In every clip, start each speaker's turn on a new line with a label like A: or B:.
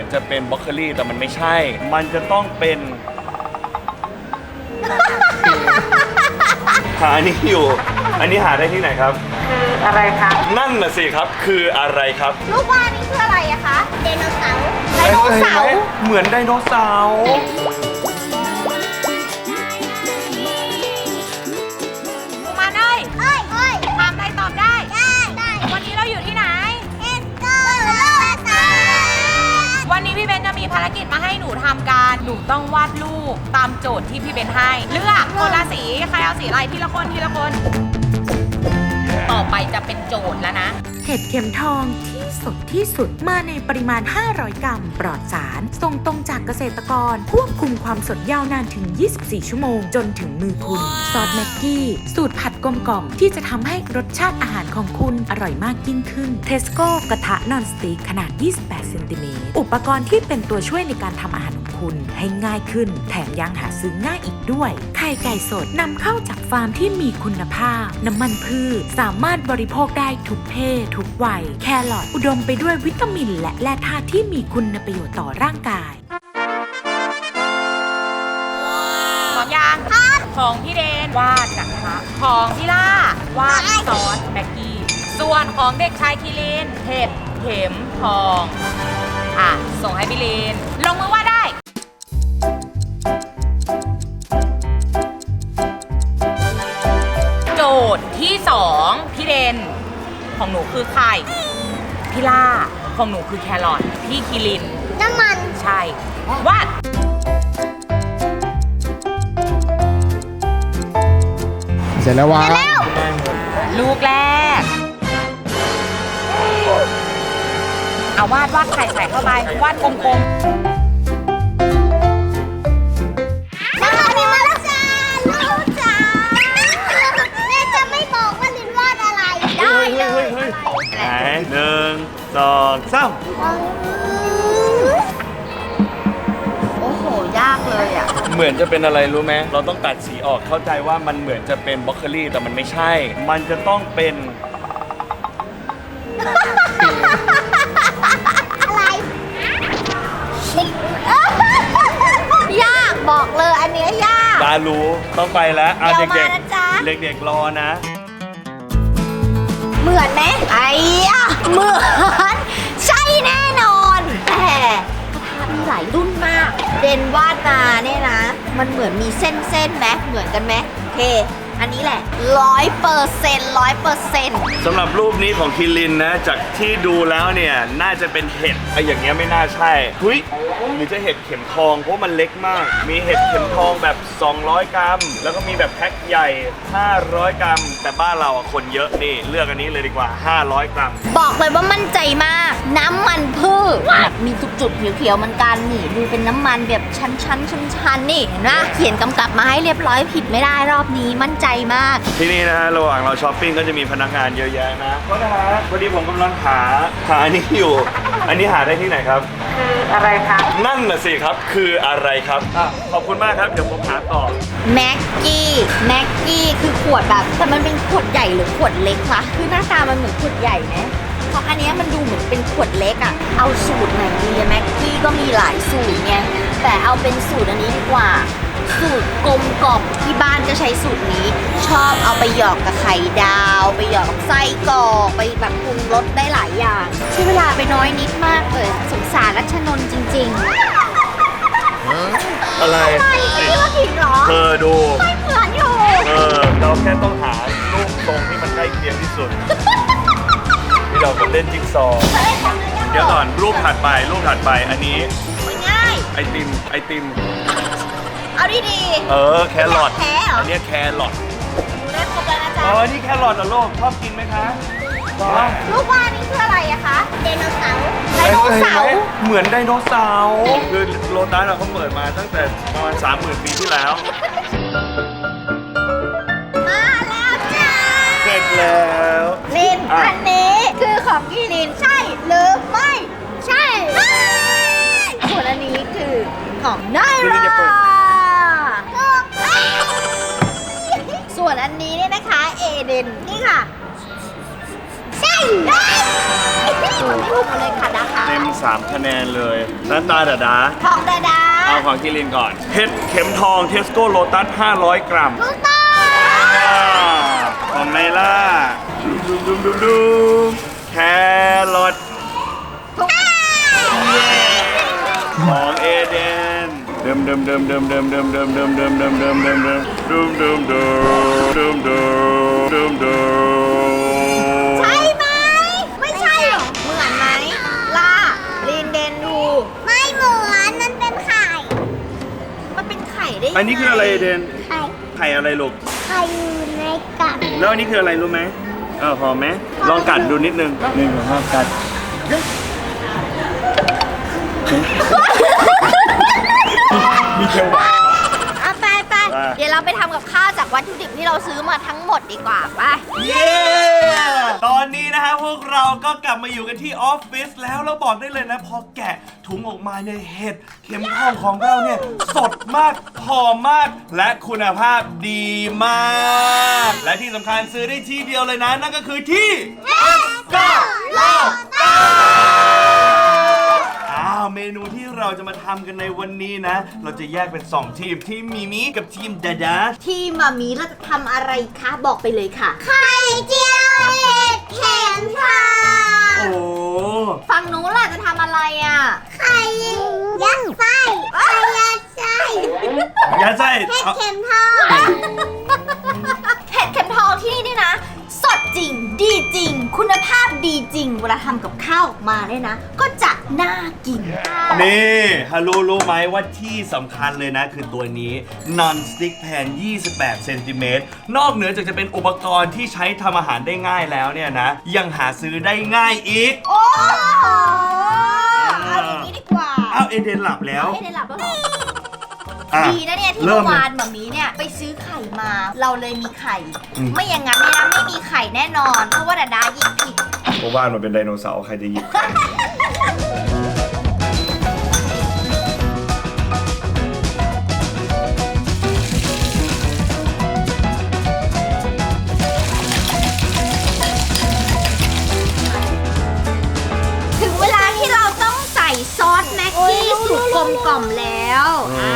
A: จะเป็นบล็อกโคลี่แต่มันไม่ใช่ มันจะต้องเป็นหาอันนี้อยู่ อันนี้หาได้ที่ไหนครับ
B: คืออะไรคะ
A: นั่นน่ะสิครับคืออะไรครับ
B: ลูกว่านี่คืออะไรอะคะไดโนเสาร์ไดโนเสาร์
A: เหมือนไดโนเสาร์
B: มาเลยเอ้ยถามได้ตอบได้วันนี้เราอยู่ที่ไหนวันนี้พี่เบนจะมีภารกิจมาให้หนูทำการหนูต้องวาดรูปตามโจทย์ที่พี่เบนให้เลือกคนละสีใครเอาสีอะไรทีละคนต่อไปจะเป็นโจทย์แล้วนะ
C: เห็ดเข็มทองที่สดที่สุดมาในปริมาณ 500 กรัม ปลอดสาร ส่งตรงจากเกษตรกร ควบคุมความสดยาวนานถึง 24 ชั่วโมงจนถึงมือคุณ ซอสแม็กกี้ สูตรผัดกลมกล่อมที่จะทำให้รสชาติอาหารของคุณอร่อยมากยิ่งขึ้น เทสโก้กระทะนอนสติ๊กขนาด 28 เซนติเมตร อุปกรณ์ที่เป็นตัวช่วยในการทำอาหารของคุณให้ง่ายขึ้น แถมยังหาซื้อง่ายอีกด้วย ไข่ไก่สดนำเข้าจากฟาร์มที่มีคุณภาพ น้ำมันพืชสามารถบริโภคได้ทุกเพศทุกวัย แครอทอุดมไปด้วยวิตามินและแร่ธาตุที่มีคุณประโยชน์ต่อร่างกาย
B: พร้อมยังของพี่เดนวาดกระทะของพี่ล่าวาดซอสแม็กกี้ส่วนของเด็กชายคิรินเห็ดเข็มทองส่งให้พี่ลินลงมือวาดได้โจทย์ที่2พี่เดนของหนูคือไข่พี่ล่าของหนูคือแครอทพี่คิรินน้ำมันใช่วาด
D: เสร็จแล้ววะ
B: ลูกแรกเอาวาดไข่ใส่เข้าไปวาดกลมๆน้ำมันมาแล้วจ้าลูกจ้าแม่จะไม่บอกว่าลินวาดอะไรได้เลย
A: ไหน1 2 3
B: โอ้โหยากเลยอ่ะ
A: เหมือนจะเป็นอะไรรู้ไหมเราต้องตัดสีออกเข้าใจว่ามันเหมือนจะเป็นบล็อกโคลี่แต่มันไม่ใช่ มันจะต้องเป็น
B: อะไรยากบอกเลยอันนี้ยาก
A: ตารู้ต้องไปแล้วเด็กๆเด็กๆรอนะ
B: เหมือนไหมไอ้เหมือนใช่แน่นอนแต่กระทะมีหลายรุ่นมากเดนวาดมาเนี่ยนะมันเหมือนมีเส้นไหมเหมือนกันไหมโอเคอันนี้แหละ100%
A: สำหรับรูปนี้ของคิรินนะจากที่ดูแล้วเนี่ยน่าจะเป็นเห็ดอย่างเงี้ยไม่น่าใช่หุ้ยหรือจะเห็ดเข็มทองเพราะมันเล็กมากมีเห็ดเข็มทองแบบ200 กรัมแล้วก็มีแบบแพ็คใหญ่500 กรัมแต่บ้านเราคนเยอะนี่เลือกอันนี้เลยดีกว่า500 กรัม
B: บอกเลยว่ามั่นใจมากน้ำมันพืชแบบมีจุดๆเขียวๆเหมือนกันนี่ดูเป็นน้ำมันแบบชั้นนี่เห็นไหมเขียนกำกับมาให้เรียบร้อยผิดไม่ได้รอบนี้มั่นใจมาก
A: ที่นี่นะฮะระหว่างเราช้อปปิ้งก็จะมีพนักงานเยอะแยะนะก็นะฮะพอดีผมกำลังหาอันนี้อยู่อันนี้หาได้ที่ไหนครับ
B: คืออะไรคะ
A: นั่นน่ะสิครับคืออะไรครับขอบคุณมากครับเดี๋ยวผมหาต่อ
B: แม็กกี้คือขวดแบบแต่มันเป็นขวดใหญ่หรือขวดเล็กคะคือหน้าตามันเหมือนขวดใหญ่ไหมเพราะอันนี้มันดูเหมือนเป็นขวดเล็กอะเอาสูตรไหนดีแม็กกี้ก็มีหลายสูตรไงแต่เอาเป็นสูตรอันนี้ดีกว่าสูตรกลมกล่อมที่บ้านก็ใช้สูตรนี้ชอบเอาไปหยอกกับไข่ดาวไปหยอกกับไส้กรอกไปแบบปรุงรสได้หลายอย่างใช้เวลาไปน้อยนิดมากเลยสงสารรัชนนท์จริงๆ
A: อะไร
B: นี่ว่าผิดหรอ
A: เธอดู
B: ไม่เหมือนอยู่
A: เราแค่ต้องหารูปทรงที่มันใกล้เคียงที่สุดที่เราเล่นจิ๊กซอว์เดี๋ยวก่อนรูปถัดไปอันนี้
B: ง่าย
A: ไอติม
B: เอาดี
A: แครอทอันนี้แครอท
B: ดูได้ครบแล้วนะจ๊ะ
A: นี่แครอทเหรอลูกชอบกินไหมคะ
B: ลูกว่านี่คืออะไรอะคะไดโนเสาร์
A: เหมือนไดโนเสาร์คือโลตัสเขาเปิดมาตั้งแต่ประมาณ 30,000 ปีที่แล้ว
B: มาแล้วจ้า
A: เสร็จแล้ว
B: ลินอันนี้คือของพี่ลินใช่หรือไม่ใช่ส่วนอันนี้คือของไนร่าส่วนอันนี้เนี่ยนะคะเอเดนนี่ค่ะใช่ไม่ถูกเลยค่ะนะคะ
A: เต็ม 3 คะแนนเลยน้ำตาดาดา
B: ทองดาดา
A: เอาของกิลินก่อนเห็ดเข็มทองเทสโก้โลตัส500 กรัม
B: ถูกต้อง
A: ของไนล่าดูแครอท
B: ถูกต้อง
A: ของเอเดนเดิม
B: ใช่ไหมไม่ใช่หรอเหมือนไหมล่าลินเดนดูไม่เหมือนมันเป็นไข่มันเป็นไข่ได้ยังไง
A: อันนี้คืออะไรเอเดน
B: ไข่
A: ไข่อะไรลูก
B: ไข่อยู่ในกับ
A: แล้วอันนี้คืออะไรรู้ไหมหอมไหมลองกัดดูนิดนึง1 2 3กัดมีเชล
B: เอาไปเดี๋ยวเราไปทำกับข้าวจากวัตถุดิบที่เราซื้อมาทั้งหมดดีกว่าไป
A: เย้ ตอนนี้นะฮะพวกเราก็กลับมาอยู่กันที่ออฟฟิศแล้วเราบอกได้เลยนะพอแกะถุงออกมาเนี่ยเห็ดเข็มทองของเราเนี่ยสดมากหอมมากและคุณภาพดีมาก และที่สำคัญซื้อได้ที่เดียวเลยนะนั่นก็คือที่ Tescoเมนูที่เราจะมาทำกันในวันนี้นะ เราจะแยกเป็น 2 ทีมทีมมิมิกับทีมดาดา
B: ที่มามีเราจะทำอะไรคะบอกไปเลยค่ะไข่เจียวเห็ดเข็มทอง
A: โอ้
B: ฝั่งนู้นล่ะจะทำอะไรอ่ะไข่ยัดไส้ไข่ยัดไส้
A: อย่าใส่
B: เห็ดเข็มทองเห็ดเข็มทองที่นี่เนี่ยนะสดจริงดีจริง คุณภาพดีจริงเวลาทำกับข้าวออกมาเนี่ยนะก็จะน่ากิน
A: นี่ฮัลโหลรู้ไหมว่าที่สำคัญเลยนะคือตัวนี้ non stick pan 28 เซนติเมตรนอกเหนือจากจะเป็นอุปกรณ์ที่ใช้ทำอาหารได้ง่ายแล้วเนี่ยนะยังหาซื้อได้ง่ายอีก
B: โอ้โหเอาอย่างนี้ดีกว่า
A: อ้าวเอเดนหลับแล้ว
B: ไม่ได้หลับแล้วเหรอ
A: อ่ะ
B: ดีนะเนี่ยที่
A: เริ่
B: เมื่
A: ม
B: อ
A: เล
B: วาย นหมามีเนี่ยไปซื้อไข่มา เราเลยมีไข่
A: อืม
B: ไม่อย่างนั้นเนี่ยนะไม่มีไข่แน่นอน เพราะว่าดาดาหยิบผิด
A: เพราะว่ามันเป็นไดโนเสาร์ใครจะหยิบ
B: ถึงเวลาที่เราต้องใส่ซอสแม็กกี้สูตรกลมกล่อมแล้ว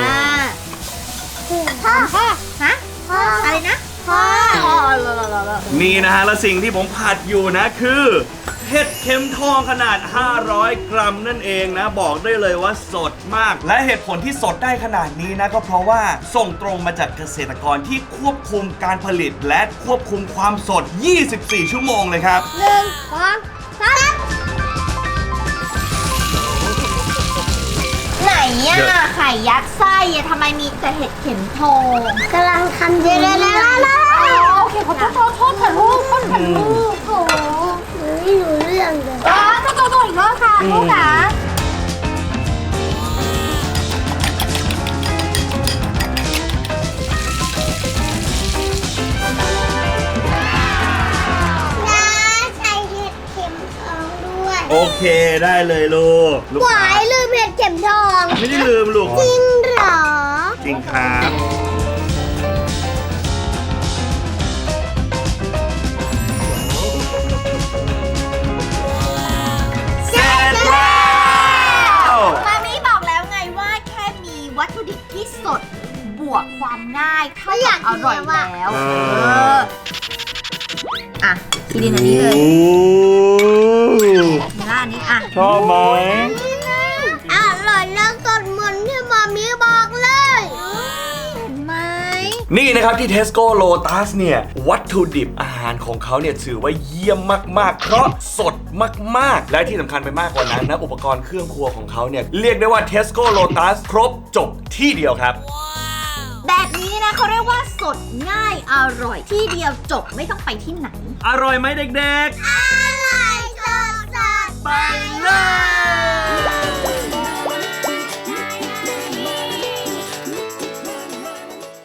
B: พ่อฮะอะไรนะพ่อ
A: นี่นะฮะและสิ่งที่ผมผัดอยู่นะคือเห็ดเข็มทองขนาด 500 กรัมนั่นเองนะบอกได้เลยว่าสดมาก และเหตุผลที่สดได้ขนาดนี้นะก็เพราะว่าส่งตรงมาจากเกษตรกรที่ควบคุมการผลิตและควบคุมความสด 24 ชั่วโมงเลยครับ
B: 1 2 3ไหนอะไข่ยัดไส้อะทำไมมีแต่เห็ดเข็มทองกำลังทำเดี๋ยวโอเคขอโทษค่ะลูกค่ะลูกโอ้ไม่รู้เรื่องเลยจะโตอีกรอบค่ะลูกจ๋าใส่เห็ดเข็มทองด้วย
A: โอเคได้เลยลูก
B: หวายลืมเห็ดเข็มทอง
A: ไม่ได้ลืมลูก
B: จริงเหรอ
A: จริงครับ
B: เสร็จแล้วมามีบอกแล้วไงว่าแค่มีวัตถุดิบที่สดบวกความง่ายเท่ากับอร่อยแล้วอ่ะคิรินอันนี้เลยแล้วอันนี้อ่ะ
A: ชอบไหม
B: อร่อยแล้วสดเหมือนที่มามีบอกเลยเห็นไหม
A: นี่นะครับที่ Tesco Lotus เนี่ยวัตถุดิบอาหารของเขาเนี่ยถือว่าเยี่ยมมากๆ เพราะสดมากๆ และที่สำคัญไปมากกว่านั้นนะอุปกรณ์เครื่องครัวของเขาเนี่ยเรียกได้ว่า Tesco Lotus ครบจบที่เดียวครับ
B: แบบนี้นะเขาเรียกว่าสดง่ายอร่อยที่เดียวจบไม่ต้องไปที่ไหน
A: อร่อยไหมเด็ก
B: อร่อยสด
A: ๆ ไป